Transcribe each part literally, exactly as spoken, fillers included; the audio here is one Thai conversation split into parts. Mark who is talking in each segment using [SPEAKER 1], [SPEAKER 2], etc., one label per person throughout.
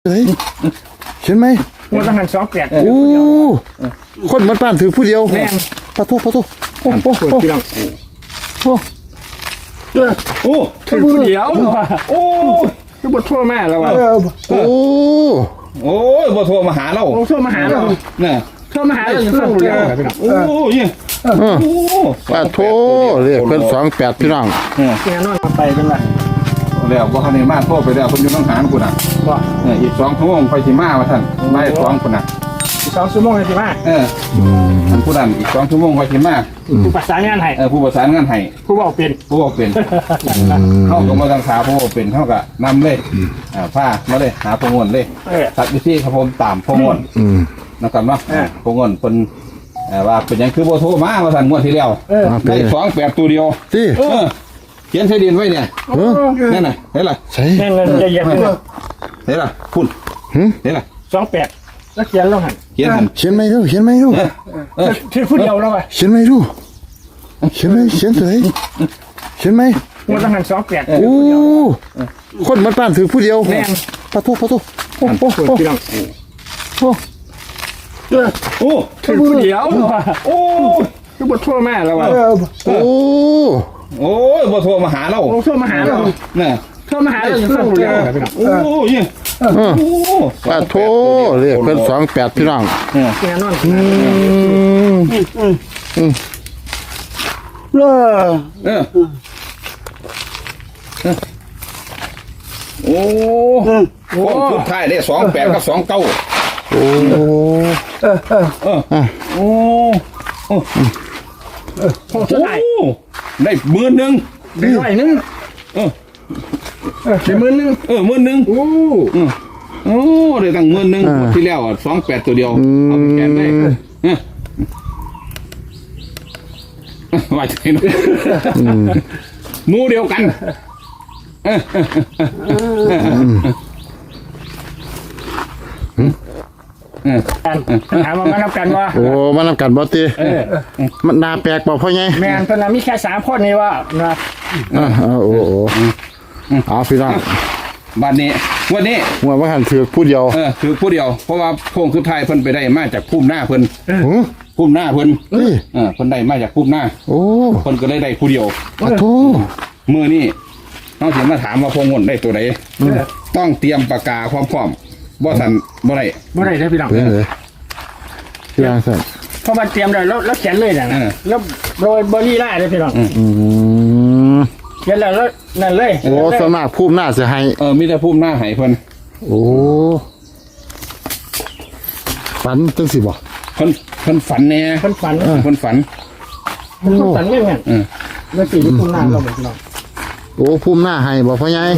[SPEAKER 1] เฮ้ยเห็นไหม
[SPEAKER 2] มันต้องหันสองแปด
[SPEAKER 1] โอ้คนมันป้านถือผู้เดียว
[SPEAKER 2] แม่น
[SPEAKER 1] ปะทุปะทุโอ้โหโอ้โหโอ้
[SPEAKER 2] โอ้ถือผู้เดียวโอ้คือบททั่วแม่แล้วว่ะ
[SPEAKER 1] โอ้
[SPEAKER 3] โอ้ยบ่โทรมาหาเรา
[SPEAKER 2] ทั่วมาหาเรา
[SPEAKER 3] เนี่ย
[SPEAKER 2] ทั่วมาหาเราอย่างฟังเดียว
[SPEAKER 3] โอ้ยโอ้
[SPEAKER 1] ปะทุเรียกเป็นสองแปดพี่น้อง
[SPEAKER 2] แกนอนมาไปเป็นไร
[SPEAKER 3] แล้วก็คันนี้มาโทรไปแล้วคนอยู่ต้องหากูน่ะ
[SPEAKER 2] ว่า
[SPEAKER 3] อีกสองชั่วโมงไปสิมาว่าท่านไม่สองคนน่ะ
[SPEAKER 2] อีกสองชั่วโมงสิมา
[SPEAKER 3] เออท่านผู้นั้นอีกสองชั่วโมงไปสิมา
[SPEAKER 2] ผู้ประสานงานให้
[SPEAKER 3] เออผู้ประสานงานให้
[SPEAKER 2] ผู้บอกเป็น
[SPEAKER 3] ผู้บอกเป็นเข้ากับมาทางขาผู้บอกเป็นเท่ากับนำเลยอ่าผ้ามาเลยหาพงวนเลยตัดวิธีครับผมตามพงวนนะครับเนาะพงวนเป็นว่าเป็นยังคือโบโทมามาสั่นงวดที่แล้วได้สองแปดตัวเดียว
[SPEAKER 1] ที่
[SPEAKER 3] เขียนใช้ดินไว้เนี่ยนั่นน่ะเห็นไร
[SPEAKER 1] ใช่
[SPEAKER 2] แน่นเลยเย็นเลย
[SPEAKER 3] เห็นไรพุ่นเห็นไร
[SPEAKER 2] สองแปดแล้วเขียนแล้วหัน
[SPEAKER 3] เขียนหัน
[SPEAKER 1] เขียนไม่รู้เขียนไม่รู้
[SPEAKER 2] ที่พูดเดียวแล้วไง
[SPEAKER 1] เขียนไม่รู้เขียนไม่เขียนเลยเขียนไหม
[SPEAKER 2] มันต้องหันสองแปด
[SPEAKER 1] โอ้คนมันป้านถือผู้เดียว
[SPEAKER 2] แม่น
[SPEAKER 1] ปะทุปะทุ
[SPEAKER 2] โอ้โหพี่น้องโอ้โอ้ถือผู้เดียวโอ้คือบททั่วแม่แล้วว่ะ
[SPEAKER 1] โอ้
[SPEAKER 3] โอ้ยบ่โทรมาหาเรา
[SPEAKER 2] ทั่วมาหาเรา
[SPEAKER 3] เนี่ย
[SPEAKER 2] ทั่วมาหาเราอย่างฟังเดียว
[SPEAKER 3] โอ้ย
[SPEAKER 1] ปะทุเรียกเป็นสองแปดพี่น้อง
[SPEAKER 2] แกนอน
[SPEAKER 1] อืมอืมอืม
[SPEAKER 3] เออเออโอ้โหสุดท้ายได้สองแปดกับสองเก้า
[SPEAKER 1] โอ้
[SPEAKER 3] เออเออเออโอ้โอ้
[SPEAKER 2] โอ้ได้
[SPEAKER 3] ได้หมื่นหนึ่ง
[SPEAKER 2] ได้ร้อยหนึ่ง
[SPEAKER 3] เออ
[SPEAKER 2] ได้หมื่นหนึ่ง
[SPEAKER 3] เออหมื่นหนึ่งโอ้โอ้ได้ตั้งหมื่นหนึ่งที่แล้วอ่ะสองแปดตัวเดียวเอาไปแกนได้ว่าใจนะมูเดียวกัน
[SPEAKER 2] กันถามมานับกันว่า
[SPEAKER 1] โอ้มานับกันบอตีมันนาแปลกบอกพ่อไง
[SPEAKER 2] แม่ตอนนั้นมีแค่สามคนนี่ว่านะ
[SPEAKER 1] อ่าโอ้โหเอาพี่น้อง
[SPEAKER 3] บ้านนี้วันนี้
[SPEAKER 1] ว่าว่าหันถือผู้เดียว
[SPEAKER 3] เออถือผู้เดียวเพราะว่าพงคือไทยเพิ่นไปได้มาจากพุ่มหน้าเพิ่นพุ่มหน้าเพิ่นเออเพิ่นได้มาจากพุ่มหน้า
[SPEAKER 1] โอ้
[SPEAKER 3] เพิ่นก็เลยได้ผู้เดียว
[SPEAKER 1] โอ้โห
[SPEAKER 3] มือนี่น้องเสียมาถามว่าพงงนได้ตัวไหนต้องเตรียมปากกาพร้อมๆบ่ทันบ่ได้
[SPEAKER 2] บ่ได้ได้พี่น้อง
[SPEAKER 1] เลยพี่น้องสั่น
[SPEAKER 2] พอมาเตรียมได้แล้วแล้วเขียนเลยนะแล้วโรยเบอร์รี่ได้เลยพี่น้องเขียนแล้วนั่นเลย
[SPEAKER 1] โอ้สมากพุ่มหน้าจะให้
[SPEAKER 3] เออมีแต่พุ่มหน้าให้เพิ่น
[SPEAKER 1] โอ้ฝันจังสิบ่
[SPEAKER 3] เพิ่นเพิ่นฝันแน่
[SPEAKER 2] เพิ่นฝัน
[SPEAKER 3] เพิ่นฝัน
[SPEAKER 2] เพิ่นฝันเงี้ยเงี้ยแล้วสีพุ่มหน้าเราพี่น้อง
[SPEAKER 1] โอ้พุ่มหน้าให้บอกพ่อใหญ่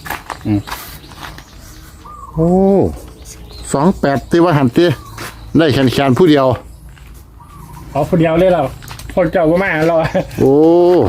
[SPEAKER 1] โอ้สองแปดที่ว่าหันตีได้แขนแขนผู้เดียว
[SPEAKER 2] เอาผู้เดียวเลยเราคนเจ้าก็มาเรา
[SPEAKER 1] โอ้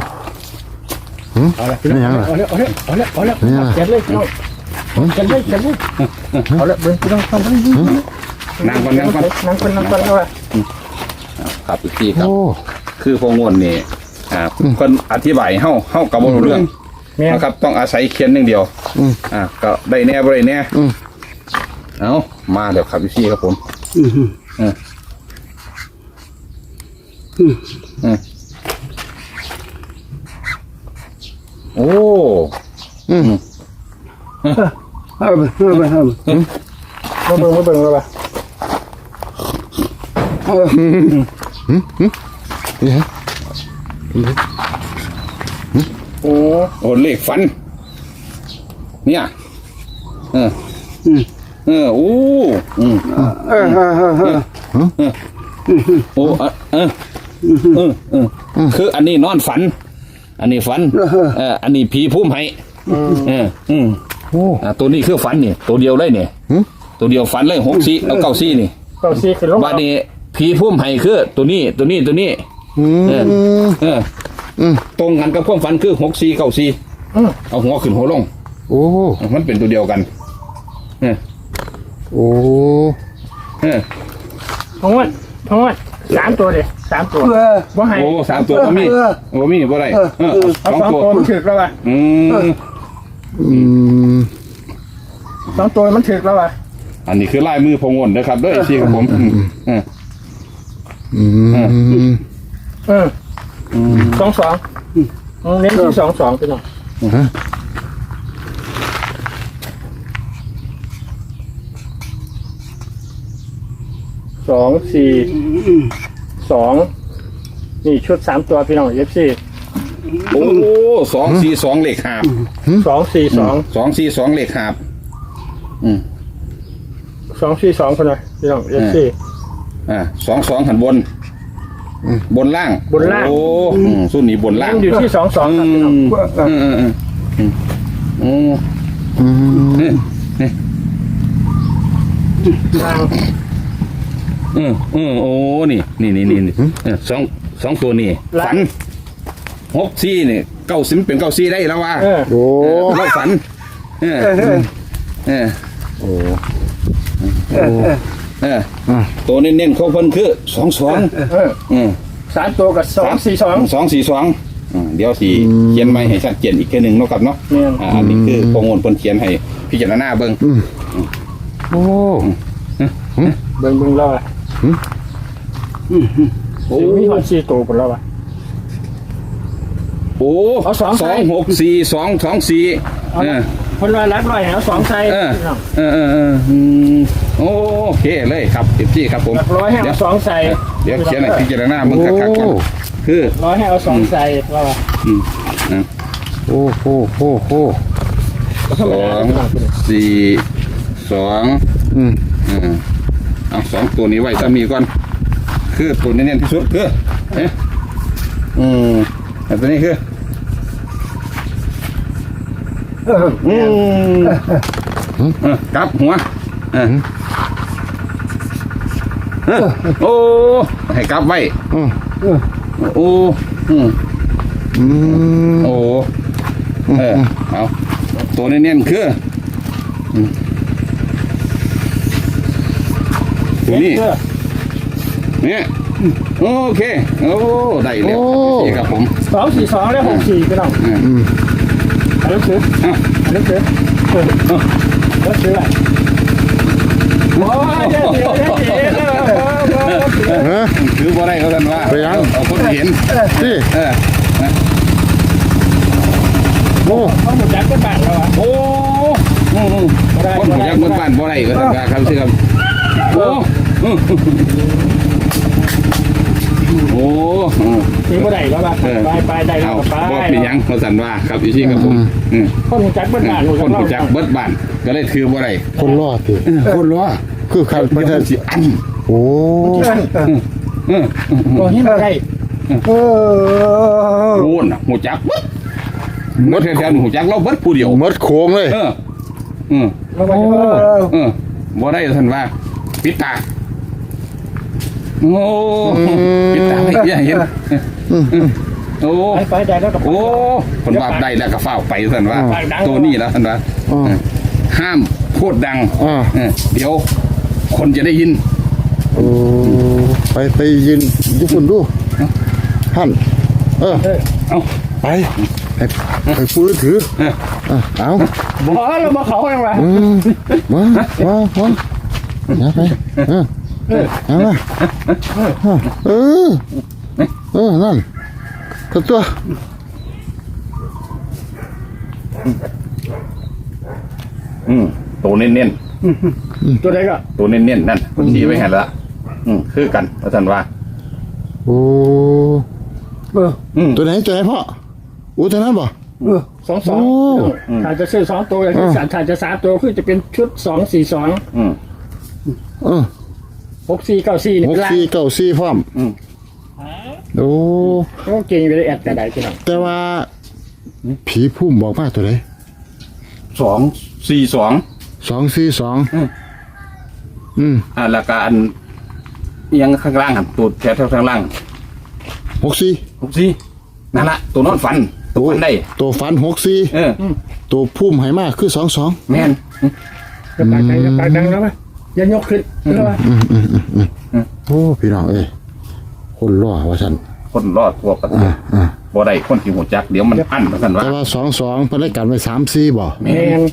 [SPEAKER 2] เอาละนี่ยังเอาเลยเอาเลยเอาเลยเอาเลยเขียนเลยเราเขียนเลยเขียนเลยเอาละเบิ้งพี่น้องทำได้
[SPEAKER 3] นั่งก่อนนั่งก่อน
[SPEAKER 2] นั่งก่อนนั่งก่อนเลย
[SPEAKER 3] ครับอีกทีครับคือพงงนนี่อ่าคนอธิบายเฮาเฮากับบ่รู้เรื่องนะครับต้องอาศัยเขียนอย่างเดียวอ่าก็ได้แน่บ่ได้แน่เอามาเดี๋ยวครับพี่ครับผมอืมอืมอืมโอ้อืม
[SPEAKER 2] เอาไปเอาไปเอาไปมาเบิ่งมาเบิ่งเลยป่ะ
[SPEAKER 1] อืมอืมอืมนี่ฮะ
[SPEAKER 3] โอ้โอ้เลขฟันเนี่ยเออเออโอ้อืมเออเออเออเออโอ้เออเออเออคืออันนี้นอนฝันอันนี้ฝันเอออันนี้ผีพุ่มให้เอออืมโอ้ตัวนี้คือฝันนี่ตัวเดียวเลยเนี่ยตัวเดียวฝันเลยหกสี่เอาเก้าสี่นี่
[SPEAKER 2] เก้าสี่คือลง
[SPEAKER 3] บ้านนี้ผีพุ่มให้คือตัวนี้ตัวนี้ตัวนี้เออเออตรงกันกับความฝันคือหกสี่เก้าสี่เอาหัวขึ้นหัวลง
[SPEAKER 1] โอ้
[SPEAKER 3] มันเป็นตัวเดียวกันเออ
[SPEAKER 1] โอ้
[SPEAKER 3] เออ
[SPEAKER 2] ทั้งหมดทั้งหมดสามตัวเลยสามตัวว่าให้
[SPEAKER 3] โอ้สามตัวก็มีโอ้มีบ่ได้เออสองตัว
[SPEAKER 2] มันถึกแล้วป่ะ
[SPEAKER 3] อืม
[SPEAKER 1] อืม
[SPEAKER 2] สองตัวมันถึกแล้วอ่ะ
[SPEAKER 3] อันนี้คือลายมือพงวนนะครับเด้วยที่ครับผมอืม
[SPEAKER 1] อืม
[SPEAKER 2] เออสองสองเน้นที่สองสองไปหน่อย
[SPEAKER 1] ฮะ
[SPEAKER 2] สองสี่สองนี่ชุดสามตัวพี่น้องเอฟซี
[SPEAKER 3] โอ้สองสี่สองเลขหาบ
[SPEAKER 2] สองสี่สอง
[SPEAKER 3] สองสี่สองเลขหาบอืม
[SPEAKER 2] สองสี่สองคนเลยพี่น้องเอฟซี
[SPEAKER 3] อ่าสองสองหันบน บนล่าง
[SPEAKER 2] บนล่าง
[SPEAKER 3] โอ้อืมส่วนนี้บนล่าง
[SPEAKER 2] อยู่ที่สองสองครับพี่น้อง
[SPEAKER 3] อืมอืมอืมอืมโอ้
[SPEAKER 1] อืม
[SPEAKER 3] นี่นี่
[SPEAKER 2] ทาง
[SPEAKER 3] อืมอืมโอ้นี่นี่นี่นี่นี่เออสองสองตัวนี่ฝันหกซี่นี่เก้าสิบเป็นเก้าซี่ได้แล้วว่า
[SPEAKER 2] เออ
[SPEAKER 1] โอ้
[SPEAKER 3] เราฝันเออเออ
[SPEAKER 1] โอ้
[SPEAKER 3] เออตัวเน้นๆเขาเพิ่นคือสองสอง
[SPEAKER 2] เออ
[SPEAKER 3] อืม
[SPEAKER 2] สามตัวกับสองสี่สอง
[SPEAKER 3] สองสี่สองอ่าเดี๋ยวสี่เขียนไม่ให้ชัดเจนอีกแค่หนึ่งเนาะครับเนาะ
[SPEAKER 2] เนี่ย
[SPEAKER 3] อ่าอันนี้คือโปรงงนเพิ่นเขียนให้พิจารณาเบิ่ง
[SPEAKER 1] โอ้
[SPEAKER 2] เบิ่งเบิ่งแล้วอ่ะ
[SPEAKER 3] โอ้
[SPEAKER 2] มีหอนสี่ตัวคนแล้วอ่ะ
[SPEAKER 3] โอ้
[SPEAKER 2] เอาสอง
[SPEAKER 3] ส
[SPEAKER 2] ใส่
[SPEAKER 3] องหกสี่สองสองสี่เออ
[SPEAKER 2] คนร้อยรักร้อยแล้วสองใส่
[SPEAKER 3] เออ
[SPEAKER 2] พี่น้อง
[SPEAKER 3] เออเออเอออืมโอเคเลยครับเต็มที่ครับผม
[SPEAKER 2] รักร้อยให้
[SPEAKER 3] เดี๋ย
[SPEAKER 2] เอา
[SPEAKER 3] ว
[SPEAKER 2] สองใส่
[SPEAKER 3] เดี๋ยวเขียนให้พิจารณาเบิ่งคักๆก่อนคือ
[SPEAKER 2] ร้อยให้เอาสองใส่แล้วอ่ะ
[SPEAKER 3] อืมอ่ะ
[SPEAKER 1] โอ้โหโอ้โห
[SPEAKER 3] สองสี่สอง
[SPEAKER 1] อืม
[SPEAKER 3] อืมเอาสองตัวนี้ไว้ถ้ามีก่อน คือตัวนี้เน้นที่สุดคือเอ๊ะอืมแต่ตัวนี้คือ
[SPEAKER 2] เออ
[SPEAKER 3] อืมเออกลับหัวเออเออโอ้ให้กลับไว้
[SPEAKER 1] อืม
[SPEAKER 3] โอ้อืม
[SPEAKER 1] อืม
[SPEAKER 3] โอ้เออเอาตัวนี้เน้นคืออืมตัวนี้
[SPEAKER 2] เออ
[SPEAKER 3] เนี่ยโอเค โอ้ได้แล้วครับพี่ครับผม
[SPEAKER 2] สองสี่สองแล้วหกสี่พี่น้อง
[SPEAKER 3] อืม
[SPEAKER 1] อืม
[SPEAKER 2] อันนี้คือ
[SPEAKER 3] อ่ะ
[SPEAKER 2] อันนี้คือเออแล้วซื้ออะไรโอ้ยเดี๋ยวเดี๋ยวเดี๋ยวเดี๋ยวเออ
[SPEAKER 1] ฮะ
[SPEAKER 3] คือบ่ได้เขาท่านว่า
[SPEAKER 1] ไปยัง
[SPEAKER 3] เอาคนเห็น
[SPEAKER 1] ที่
[SPEAKER 3] เออ
[SPEAKER 1] โอ้
[SPEAKER 2] เขาหมดจักรก็บาทแล้วอ่ะ
[SPEAKER 3] โอ้อืมอืมคนหูยักษ์เมืองบ้านบ่ได้ก็ท่านว่าครับสิครับโอ้อืมโอ้อืม
[SPEAKER 2] มีบ่ได้แล้วป่ะไปไปได้แล้
[SPEAKER 3] เอา
[SPEAKER 2] วไป
[SPEAKER 3] บ่เป็นหยังเขาสั่นว่าครับอีซี่ครับผมอืม
[SPEAKER 2] คนหมดจักรก็บาท
[SPEAKER 3] คนหูจักเบิดบ้านก็เลยถือบ่ได้
[SPEAKER 1] คนรอดสิ
[SPEAKER 3] คนล้อ
[SPEAKER 1] คือใครไม่
[SPEAKER 3] เดี๋ยว
[SPEAKER 1] ใช่
[SPEAKER 3] มันสิอัน
[SPEAKER 1] โอ้
[SPEAKER 3] เออ
[SPEAKER 2] ตัวนี้ไม่ได้เออ
[SPEAKER 3] โอนน่ะหูจักเบิดเบิดแถวๆนี่หูจักเราเบิดผู้เดียว
[SPEAKER 1] มดโค้งเลย
[SPEAKER 3] เอออืม
[SPEAKER 2] แล้วมัน
[SPEAKER 3] เออบ่ได้ท่านว่าปิดตาโอ้ปิดตาไม่เห็นโอ้
[SPEAKER 2] ไปไปได้แล้วกับ
[SPEAKER 3] โอ้คนว่าได้แล้วก็เฝ้าไปท่านว่า ตัวนี้แล้วท่านว่า
[SPEAKER 1] อ่า
[SPEAKER 3] ห้ามพูดดัง
[SPEAKER 1] อ่า
[SPEAKER 3] เออเดี๋ยว คนจะได้ยิน
[SPEAKER 1] โอ้ไปไปยืนญี่ปุ่นดูท่าน เออ
[SPEAKER 3] เอ้า
[SPEAKER 1] ไปไปไปพูดถือ
[SPEAKER 3] เออ
[SPEAKER 1] อ่ะเอา
[SPEAKER 2] บ่เรามาเขาอย่างไร
[SPEAKER 1] อืมมามามาอย่าไปเออเอามาเออเออนั่นตัวตัว
[SPEAKER 3] อืมตัวเน้น
[SPEAKER 2] ตัวไหนก็
[SPEAKER 3] ๆตัวเน้นๆนั่นคนชี้ไว้ให้ละอืมคือกันว่าท่านว่า
[SPEAKER 1] โอ้
[SPEAKER 2] เออ
[SPEAKER 3] อืม
[SPEAKER 1] ตัวไหนตัวไหนพ่ออู้ตัวนั้นบ่
[SPEAKER 2] เออสองสองถ้าจะซื้อสองตัวถ้าถ้าจะสามตัวคือจะเป็นชุดสองสี่สอง
[SPEAKER 3] อืม
[SPEAKER 1] เออ
[SPEAKER 2] หกสี่เก้าสี่นี่
[SPEAKER 1] หก
[SPEAKER 2] เป็นล่าง
[SPEAKER 1] สี่เก้าสี่พร้อม
[SPEAKER 3] อืม
[SPEAKER 1] โอ้
[SPEAKER 2] ก็เก่งไปเลยแอดแต่ใดพี่น้อง
[SPEAKER 1] แต่ว่า ผีพุ่มบอกมาตัวไหน
[SPEAKER 3] สองสี่สอง
[SPEAKER 1] สองสี่สอง
[SPEAKER 3] อืม
[SPEAKER 1] อืม
[SPEAKER 3] อ่าแล้วก็อันเอียงข้างล่างหันตูดแถวๆข้างล่าง
[SPEAKER 1] หกสี่
[SPEAKER 3] หกสี่นั่นละตัวนอนฝันตัวฝันได้
[SPEAKER 1] ตัวฟันหกสี่
[SPEAKER 3] เออ
[SPEAKER 1] ตัวพุ่มไหมากคือสองสอง
[SPEAKER 3] แม่น
[SPEAKER 2] จะปากดังจะปากดังแล้วไหมอย่ายกขึ้นแล้วไหม
[SPEAKER 1] โอ้พี่น้องเอ้ยคนรอว่าฉัน
[SPEAKER 3] คนรอดทั่วประเท
[SPEAKER 1] อ่า
[SPEAKER 3] ศ
[SPEAKER 1] อ่า
[SPEAKER 3] บ่ได้คนที่หูจักเดี๋ยวมันอั้นมาสั่นว่า
[SPEAKER 1] แต่ว่าสองสองเพิ่นได้กันไว้สามสี่บ่
[SPEAKER 2] แมน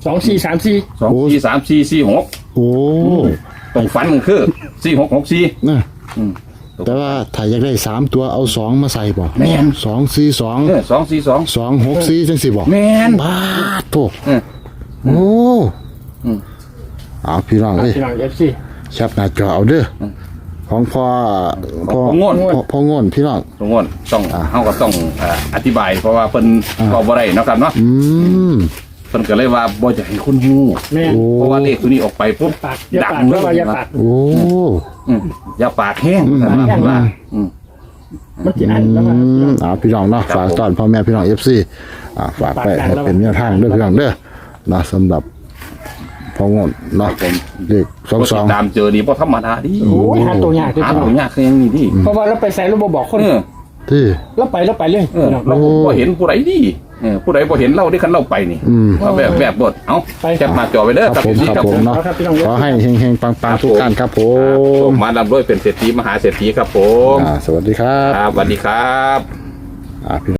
[SPEAKER 2] สองสี่สามสี่
[SPEAKER 3] สองสี่สามสี่สี่หก
[SPEAKER 1] โอ้
[SPEAKER 3] ตรงฝันมันคือสี่หกหกสี่
[SPEAKER 1] นะ
[SPEAKER 3] อืม
[SPEAKER 1] แต่ว่าถ้าอยากได้สามตัวเอาสองมาใส่บ่
[SPEAKER 3] แม่น
[SPEAKER 1] สองสี่สอง
[SPEAKER 3] เออสองสี่สอง
[SPEAKER 1] สองหกสี่จังสิบ่
[SPEAKER 3] แมน
[SPEAKER 1] บาดโต
[SPEAKER 3] เออ
[SPEAKER 1] โอ้
[SPEAKER 3] อืม
[SPEAKER 1] เอาพี่น้องเอ้ย
[SPEAKER 2] พี่น้องเอฟซี
[SPEAKER 1] แคปหน้าจอเอาเด้ออของพ่อพ่อ
[SPEAKER 3] ของโง่น
[SPEAKER 1] พ่อพ่อโง่นพี่น้อง
[SPEAKER 3] ตรงนั้นต้องเฮาก็ต้องเอ่ออธิบายเพราะว่าเพิ่น
[SPEAKER 1] อ่า
[SPEAKER 3] ก็บ่ได้เนาะครับเนาะ
[SPEAKER 1] อืม
[SPEAKER 3] เพิ่นก็เลยว่าบ่จะให้คนฮู้
[SPEAKER 2] แม่
[SPEAKER 1] โอ้
[SPEAKER 3] เพราะว่าเลขตัวนี้ออกไปปุ๊บ
[SPEAKER 2] ปากอย่า
[SPEAKER 3] ดั
[SPEAKER 2] ปาง ก
[SPEAKER 3] เล
[SPEAKER 2] เพราะว่าอย่าปาก
[SPEAKER 1] โอ้
[SPEAKER 3] อืมอย่าปากแห้ง
[SPEAKER 1] อืม
[SPEAKER 3] นะเพิ่นว่าอืม
[SPEAKER 2] มันจะอันแล้ว
[SPEAKER 1] อื
[SPEAKER 2] มัน
[SPEAKER 1] มเอาพี่น้องเนาะ
[SPEAKER 3] ครับ
[SPEAKER 1] ฝาก
[SPEAKER 3] ผม
[SPEAKER 1] ตอนพ่อแม่พี่น้อง เอฟ ซี อ่าฝากไป
[SPEAKER 2] ฝากกัน
[SPEAKER 1] ให้
[SPEAKER 2] แล้ว
[SPEAKER 1] เป็นแนวทางเด้อพี่น้องเด้อเนาะสำหรับพ่อโง่นเนาะ
[SPEAKER 3] ผม
[SPEAKER 1] เลขสอง
[SPEAKER 3] บ่
[SPEAKER 1] ส
[SPEAKER 3] ติ
[SPEAKER 1] อง
[SPEAKER 3] ดตามเจอนี่บ่ธรรมดาดิ
[SPEAKER 2] โอ้ยหาตัวยากด้วย
[SPEAKER 3] หา
[SPEAKER 2] พี่น้อ
[SPEAKER 3] ตั
[SPEAKER 2] ง
[SPEAKER 3] วยากคือยังนี่ดิ
[SPEAKER 2] เพราะว่าเราไปใส่เราบ่บอกคน
[SPEAKER 3] เออ
[SPEAKER 1] ที่
[SPEAKER 2] เราไปเราไปเลย
[SPEAKER 3] เออ
[SPEAKER 2] พี่น้อง
[SPEAKER 3] เราบ่เห็นผู้ใดดิเออผู้ใดบ่เห็นเราได้คันเราไปนี่
[SPEAKER 1] อืม
[SPEAKER 3] ว่าแบบแบบบดเอ้า
[SPEAKER 2] ไป
[SPEAKER 3] แคปมาจอไปเด้อ
[SPEAKER 1] ครับผม
[SPEAKER 3] พี่
[SPEAKER 1] ครับผมเนาะ
[SPEAKER 2] ครับพี่น้อง
[SPEAKER 1] ขอให้เฮงๆปังๆทุกท่านครับผ
[SPEAKER 3] ผม มมาลำด้วยเป็นเศรษฐีมหาเศรษฐีครับผม
[SPEAKER 1] อ่าสวัสดีครับ
[SPEAKER 3] ครับสวัสดีครับ
[SPEAKER 1] อ่าพี่